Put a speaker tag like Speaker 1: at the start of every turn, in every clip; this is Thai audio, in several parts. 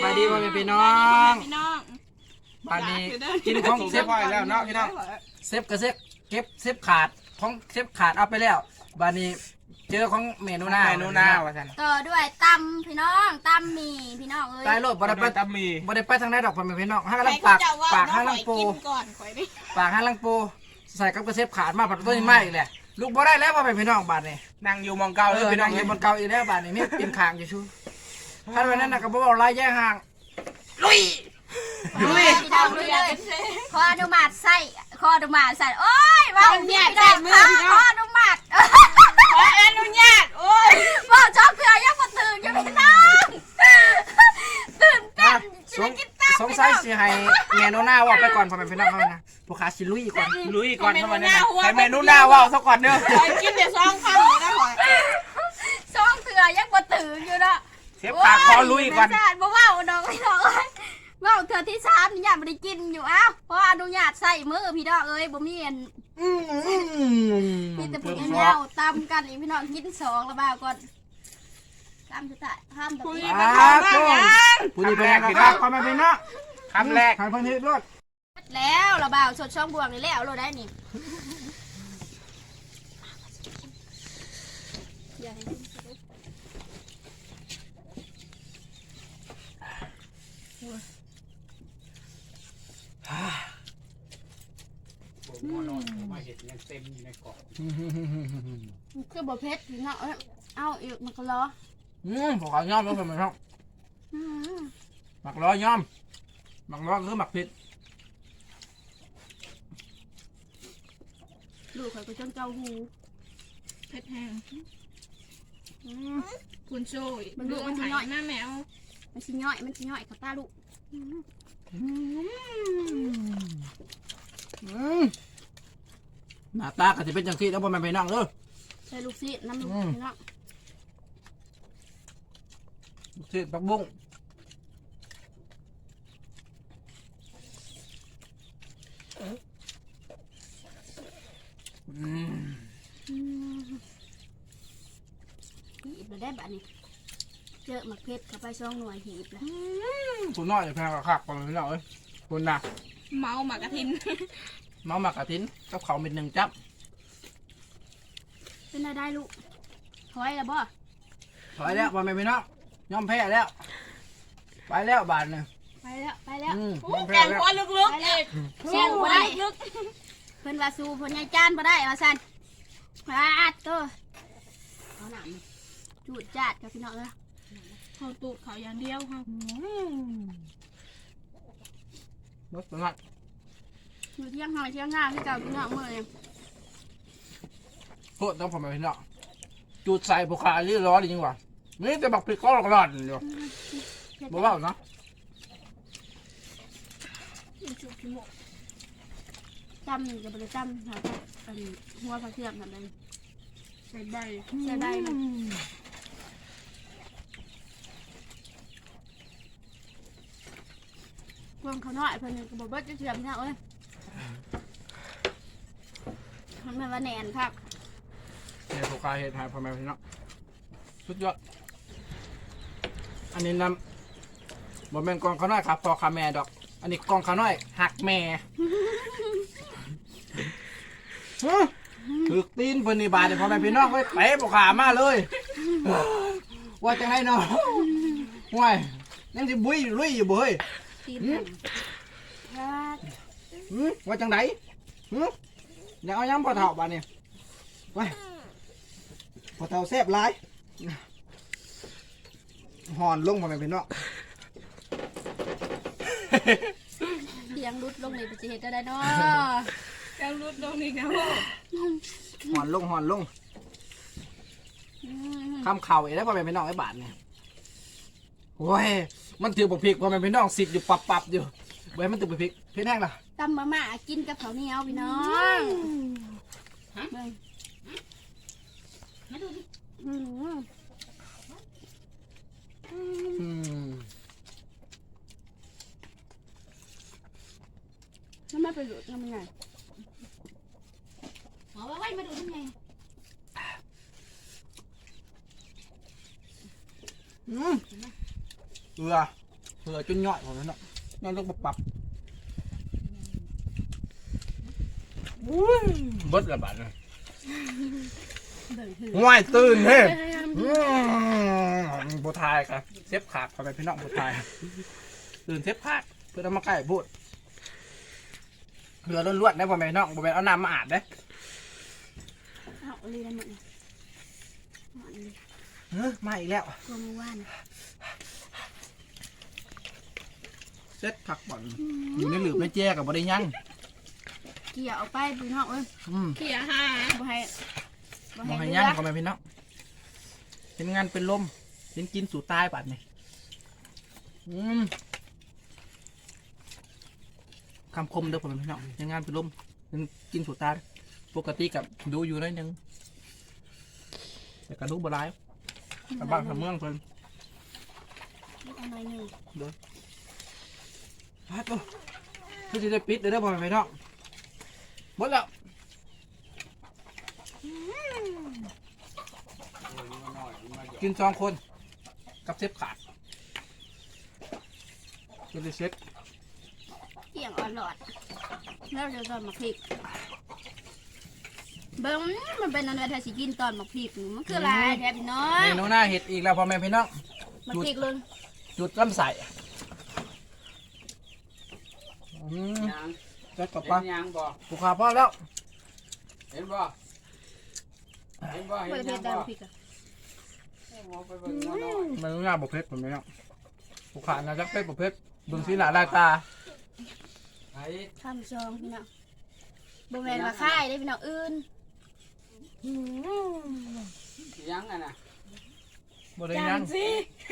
Speaker 1: บายดีพ่อแม่พี่น้อง บ้านนี้กินของเซฟแล้วเนาะพี่น้องเซฟกับเก็บเซฟขาดของเซฟขาดเอาไปแล้วบ้านนี้เจอของเมนูหน้าว่าท่าน
Speaker 2: ต่อด้วยตำพี่น้องตำหมี่พี่น้องเอ้ย
Speaker 1: ตายโลดบ่ได้ไปตำมีบ่ได้ไปทางไหนดอกพ่อแม่พี่น้องห้างลังปากห้างลังปูปากห้างลังปูใส่กับกระเซฟขาดมาปัดต้นไม้อีกแหละลูกบ่ได้แล้วพ่อแม่พี่น้องบ้านนี้นั่งอยู่มองเก่าเลยพี่น้องอยู่บนเก่าอีกแล้วบ้านนี้มีปีนคางอยู่ชูท่านวันนั้นน่ะก็บ่เว้าลายแย่ห่างลุย
Speaker 2: พี่น้องเลยขออนุมัติใส่ขออนุมัติใส่โอ้ยว่าเนี่ยใส่มือขออนุมัติขออนุญาตโอ้ยว่าชอบเกลือยังมาตื่นยังพี่น้องตื่นเต้น
Speaker 1: สงสัยสิให้เมนูหน้าว่าไปก่อนพ่อแม่พี่น้องเฮานะผู้ค้าสิลุยก่อนเข้ามาเนี่ยให้เมนูหน้าว่าซะก่อนเด้อ
Speaker 3: กินเดี๋ยวซองคำเลยนะหอย
Speaker 2: ชอบเกลือยังมาตื่นอยู่เนาะ
Speaker 1: เซฟปากคอลุยก่อน
Speaker 2: บ่ว่าดอกพี่น้องเว่าเธอที่3นี่ยังไม่ได้กินอยู่อ้าวเพราะอนุญาตใส่มือพี่น้องเอ้ยบ่มีอันมีแต่พวกแนวตำกันอีกพี่น้องกิน2แล้วบ่าวก่อนตำสุดท้ายห้ามตะกี้
Speaker 1: ผู้นี้เป็นไงครับพ่อแม่พี่น้องคำแรกทางพันธุ์รถ
Speaker 2: แล้วระบ่าวสดช่องบวงนี่แล้วเราได้นี่คือบ่เผ็ดพี่น้องเอาอีกมันก็รอ
Speaker 1: ผมขอย่อมแล้วผมไม่ชอบหมักล้อย่อมหมักล้อคือหมักเผ็ด
Speaker 2: ลูกข่อยก็จนเจ้าหู
Speaker 3: เผ็ดแห้งคุณโซ่มันดูมันหายหน้าแมว
Speaker 2: มันชิย่อยกับตาลูก
Speaker 1: หน้าตาก็จะเป็นจังซี่แล้วพ่อแม่พี่น้อง
Speaker 2: ใส่ลูกซีน้ำลูกพี่น้อง
Speaker 1: ลูกซีปักบุ้ง
Speaker 2: หีบเลยได้แบบนี้เจอหมักเพชรเข้าไปช่องหน่วยหีบแล้ว
Speaker 1: คุณน้อยแพงกว่าคักพ่อแม่พี่น้องคุณน่ะ
Speaker 3: เมาหมักกระทิน
Speaker 1: เมาหมักกระทินกับเขาเป็น1จับ
Speaker 2: เป็นอะไรได้ลูกถอยแล้วบ่
Speaker 1: ถอยแล้วพ่อแม่พี่น้องยอมแพ้แล้วไปแล้วบาทนึง
Speaker 2: ไปแล้ว
Speaker 3: แกงควันลึกๆอีก
Speaker 2: เสียงบ่ได้ลึกเพิ่นว่าสู้เพิ่นยังจานบ่ได้ว่าซั่นอาดตัวเอาหนามจูดจาดกับพี่น้องเลย
Speaker 3: เขาตูดเขาอย่างเดียวค่ะ
Speaker 1: รสนัด
Speaker 2: อยู่เที่ยงหอยเที่ยงง่าที่เก่าพี่น้องเมื่อไง
Speaker 1: โคตรต้องผมไปพี่น้องจูดใส่บุคาลี่ร้อนจริงว่ะนี่จะบักพริกก็ร้อนอยู่บอกว่าเนาะ
Speaker 2: จำจะไปจำค่ะเป็นหัวผักเทียมทำอะไร
Speaker 3: ใส่ใบ
Speaker 2: มันพวงเขาหน่อยเพิ่นก็บอกว่าจะเทียมเนี่ยเอ้ยมันว่าแหนนครับ
Speaker 1: เนี่ยบุคาเห็ดหายพ่อแม่พี่น้องสุดยอดอันนี้นำบนเป็นกองข้าวน้อยครับพอขาแม่ดอกอันนี้กองข้าวน้อยหักแม่ถึกตีนเพิ่นนี่บาดพ่อแม่พี่น้องไว้เตะบุขามาเลยว่าจังไรเนาะห่วยยังสิบุยลุยอยู่บ่เฮ้ยว่าจังไรอยากเอาย้ำพอเท่าบาดนี่ไว้พอเท่าแซ่บหลายหอนลงพ่อแม่พี่น้อง
Speaker 2: เสียงรุดลงเลยไปจะเห็นได้เนาะ
Speaker 3: ยังรุดลงอีกนะ
Speaker 1: หอนลงคำเข่าอีกแล้วพ่อแม่พี่น้องไอ้บาทเนี่ยโอ้ยมันถือบุกพริกพ่อแม่พี่น้องสิอยู่ปับอยู่เว้ยมันถือบุกพริกเพี้ยนแห้งล่ะ
Speaker 2: ตำมาม่ากินกับข้าวเหนียวพี่น้องมาดูดิแล้วไม่ไปดูทำยังไงหมอว่าไว้มาดูทำไง
Speaker 1: เกลือเผื่อจนย่อยผมแล้วเนาะย่อยลงปรับเบิดละบาทเลยง่ายตื่นเฮ้บัวทายครับเซฟขาดเข้าไปพี่น้องบัวทายตื่นเซฟขาดเพื่อทำมาใกล้พูดเรือล้วนๆได้บ่แม่น้องบ่แม่เอาน้ำมาอาบได้
Speaker 2: เอาลีนั่นหมด
Speaker 1: มาอีกแล้ว
Speaker 2: ตัวมือว่าน
Speaker 1: เซ็ตผักบ่อนอยู่ในหลืบในแจ้กับบ่ได้ยั่ง
Speaker 2: เกี่ยวเอาไปพี่น้องเอ้ย
Speaker 3: เขี่ยหา
Speaker 2: บ่ให้
Speaker 1: บ่ให้ยั่งก็แม่พี่น้องเป็นงานเป็นลมเป็นกินสู่ตายปัดนี่คำคมเด้อผมพี่น้องเป็นงานเป็นลมเป็นกินสู่ตายปกติกับดูอยู่ได้นึงแต่กระดูกบ่ร้ายกับบ้านทำเมืองเพิ่น
Speaker 2: เอาหน่อยหนึ่ง
Speaker 1: เด้อฮัทโอ้คือจะได้ปิดเด้อผมพี่น้องหมดแล้วกิน2 คนกับเซฟขาดจะได้เซ็ต
Speaker 2: เกี่ยงอ่อนหลอดแล้วเดี๋ยวตอนมาพริกเบิ้งมันเป็นอะไรถ้าสิกินตอนมาพริกมันคืออะไรแทบน้อย
Speaker 1: เมนูหน้าเห็ดอีกแล้วพ่อแม่พี่น้อง
Speaker 2: มาพริกเลย
Speaker 1: จุดลำใส่จัดกับปลา
Speaker 4: ยังบ่
Speaker 1: ผูกขาพ่อแล้ว
Speaker 4: เห็นบ่เห็นบ่
Speaker 2: ไม่
Speaker 4: เห็น
Speaker 2: ได้
Speaker 4: ยัง
Speaker 2: เผ็ดแต่พ
Speaker 4: บ่
Speaker 2: ริกอะ
Speaker 4: ไปเบิ่งมาหน่อย
Speaker 1: เมนูหน้าบกเพชรผมพี่น้องผูกขานะจักเพชรบกเพชรเบิ่งสีหน้าลายตา
Speaker 4: ไอ้
Speaker 2: ข้ามซองพี่น้องบ่แม่นมาค่ายได้พี่น้องอื่น
Speaker 4: ยังอ่ะนะ
Speaker 1: บ่ได้ยัง
Speaker 3: สิ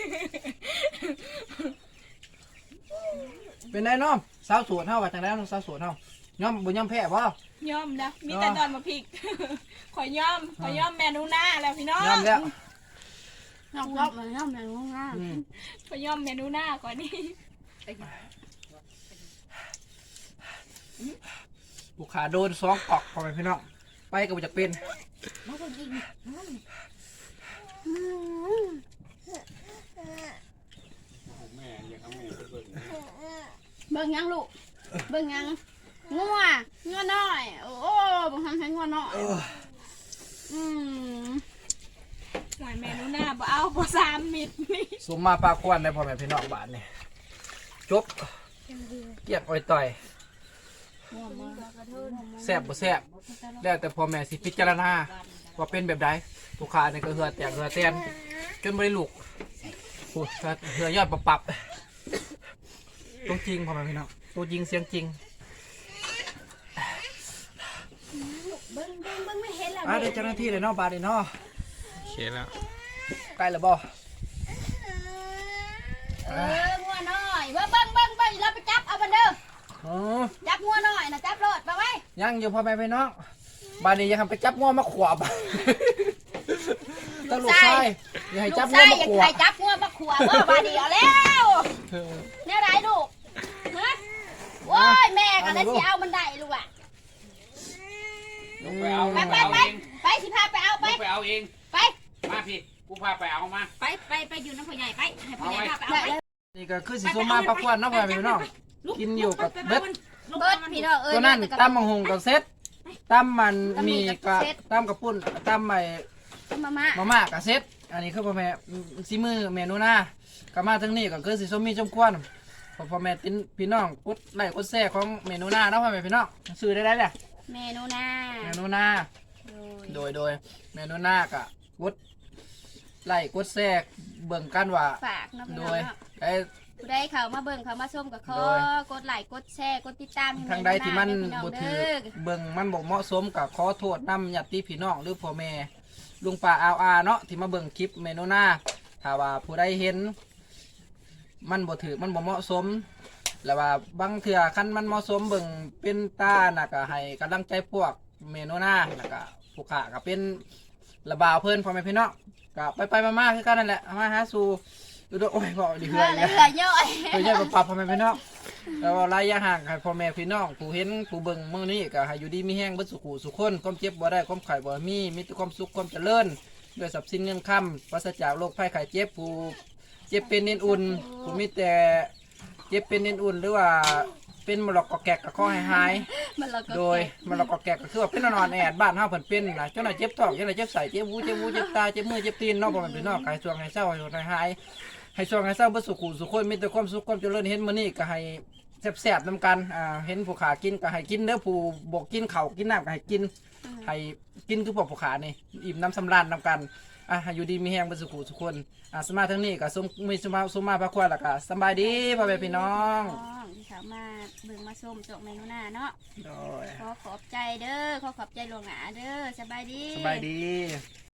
Speaker 1: เป็นไงน้องสาวสวนเฮาว่าจังได๋สาวสวนเฮาย่อมบ่ย่อมแพ้บ่
Speaker 3: ย่อมนะมีแต่ตอนมาพริกขอย่อมเมนูหน้าแล้วพี่น้อง
Speaker 1: ย่อมแล้ว
Speaker 2: น้องรอบมันน้องแม่งง่าย
Speaker 3: ขอย่อมเมนูหน้าก่อนนี่
Speaker 1: ผูกขาโดน2 กอกพ่อแม่พี่น้องไปก็บ่จักเป็น
Speaker 2: มาคนกิน
Speaker 4: แม่อยากเอาแม่ไปเบิ่ง
Speaker 2: เบิ่งยังลูกเบิ่งยังงัวน้อยโอ้บางครั้งใช้งัวน้อย
Speaker 3: หวานเมนูหน้าบ่เอาบ่3 มิตรนี่
Speaker 1: สมมาปลาควันได้พ่อแม่พี่น้องบาดนี่จบเกียกอ้อยต่อยแซ่บบ่แซ่บแล้วแต่พ่อแม่สิพิจารณาว่าเป็นแบบใดผู้ค้านี่ก็เหือแตกเหือแตนจนบ่ได้ลูกโอ้เหือยอดปับตัวจริงพ่อแม่พี่น้องตัวจริงเสียงจริง
Speaker 2: เบิ่งไม่เห็นแล้ว
Speaker 1: ได้เจ้าหน้าที่เลยเนาะบาดนี่เนาะ
Speaker 4: โอเคแล้ว
Speaker 1: ใกล้แล้วบ่
Speaker 2: งัวน้อยเบิ่งเราไปจับเอาบันเด้อ
Speaker 1: อ๋อ
Speaker 2: จับงัวน้อยนะจับรถไปไว้
Speaker 1: ยังอยู่พ่อแม่พี่น้องบาดนี้ยังทำไปจับง้อมาขวบตลกใช่อย่าให้จับง้อมา
Speaker 2: อย่า
Speaker 1: ขว
Speaker 2: ใคร
Speaker 1: บ
Speaker 2: จับงัวมาขวบ่บาดเดียวแล้วเนี่ยไรลูกฮะโอ้ยแม่ก็ได้สิเอามันได้ลูกอ่ะ
Speaker 4: ลงไปเอา
Speaker 2: ไปสิพาไปเอาไป
Speaker 4: ไปเอาเอง
Speaker 2: ไป
Speaker 4: มาพี่กูพาไปเอามา
Speaker 2: ไปอยู่น้ำพ่อใหญ่ไปให้พ่อใหญ่พาไปเอาไป
Speaker 1: นี่ก็คือสิสมมาปักควันเนาะพ่อแม่พี่น้องกินอยู่กับเบ็ด
Speaker 2: เบิดพี่น้องเอ้ย
Speaker 1: ตัวนั้นตำมังหงกับเซ็ตตำมันมีกับตำกับปุ้นตำใหม่
Speaker 2: มา
Speaker 1: มาม่ากับเซ็ตอันนี้คือพ่อแม่ซีมือเมนูหน้าก็มาทั้งนี้ก็คือสิสมมีจมควนพ่อแม่ตินพี่น้องกดไลค์กดแชร์ของเมนูหน้าเนาะพ่อแม่พี่น้องซื้อได้เลย
Speaker 2: เมนูหน้า
Speaker 1: เมนูหน้าโดยเมนูหน้าก็กดไลค์กดแชร์เบิ่งกันว่า
Speaker 2: ฝากนะพี่
Speaker 1: โด
Speaker 2: น้อง
Speaker 1: ย
Speaker 2: เนาะ
Speaker 1: ไอ้
Speaker 2: ผู้ใดเขามาเบิ่งเขามาชมกับขอ
Speaker 1: โดย
Speaker 2: กดไลค์กดแชร์กดติดตามให้
Speaker 1: ทางใดที่มัน
Speaker 2: พี่น้อง
Speaker 1: บ่ถือ
Speaker 2: เด้อ
Speaker 1: เบิ่งมันบ่เหมาะสมกับขอโทษนำญาติพี่น้องหรือพ่อแม่ลุงป้าอาเนาะที่มาเบิ่งคลิปเมนูหน้าถ้าว่าผู้ใดเห็นมันบ่ถือมันบ่เหมาะสมแล้วว่าบางเทื่อคันมันเหมาะสมเบิ่งเป็นตาน่ะก็ให้กำลังใจพวกเมนูหน้าแล้วก็ผู้ค้าก็เป็นระบาวเพิ่นพ่อแม่พี่น้องก็ไปๆมาๆคือกันนั่นแหละมาหาสู่ดูโอ้ยบ่ดี
Speaker 2: เห
Speaker 1: เฮื
Speaker 2: ลื
Speaker 1: อ
Speaker 2: อย เห
Speaker 1: เลย
Speaker 2: ลือย่อย
Speaker 1: เพื่อจะปรับพ่อแม่พี่น้องแล้วระยะห่างให้พ่อแม่พี่น้องผู้เห็นผู้เบิ่งมื้อนี้ก็ให้อยู่ดีมีแห้งเบิดสุขุสุขคนความเจ็บบ่ได้ความไข้บ่มีแต่ความสุขความเจริญด้วยทรัพย์สินเงินคำปราศจากโรคภัยไข้เจ็บผู้เจ็บเป็นเน้นอุ่นผู้มีแต่เจ็บเป็นเอ็นอุ่นหรือว่าเป็นมะลอกกอกแกกก็ขอให้หาย
Speaker 2: มันเราก็
Speaker 1: โดยมะลอกกอกแกกก็คือว่าเป็นนอนแอดบ้านเฮาเพิ่นเป็นนะจังได๋เจ็บท้องจังได๋เจ็บไส้เจ็บหูเจ็บตาเจ็บมือเจ็บตีนเนาะบ่แม่นพี่น้องให้ช่วงให้เศร้าให้หายให้ช่วงให้เศร้าบ่สุขสุขคนมีแต่ความสุขความเจริญเห็นมื้อนี้ก็ให้แซ่บๆนํกันเห็นผู้ขากินก็ให้กินเด้อผู้บ่กินข้าวกินน้ำก็ให้กินให้กินคือพวกผู้ขานี่อิ่มน้ำสำราญนํกันให้อยู่ดีมีแรงบ่สุขสุขคนสมาทั้งนี้ก็มีสมาพระควรแล้วก็สบายดีพ่อแม่พี่น้อง
Speaker 2: ที่สามารถเบิ่งมาชมจกเมนูหน้าเนาะ
Speaker 1: โดย
Speaker 2: ขอบใจเด้อขอบใจหลวงหนาเด้อสบายดี
Speaker 1: สบายดี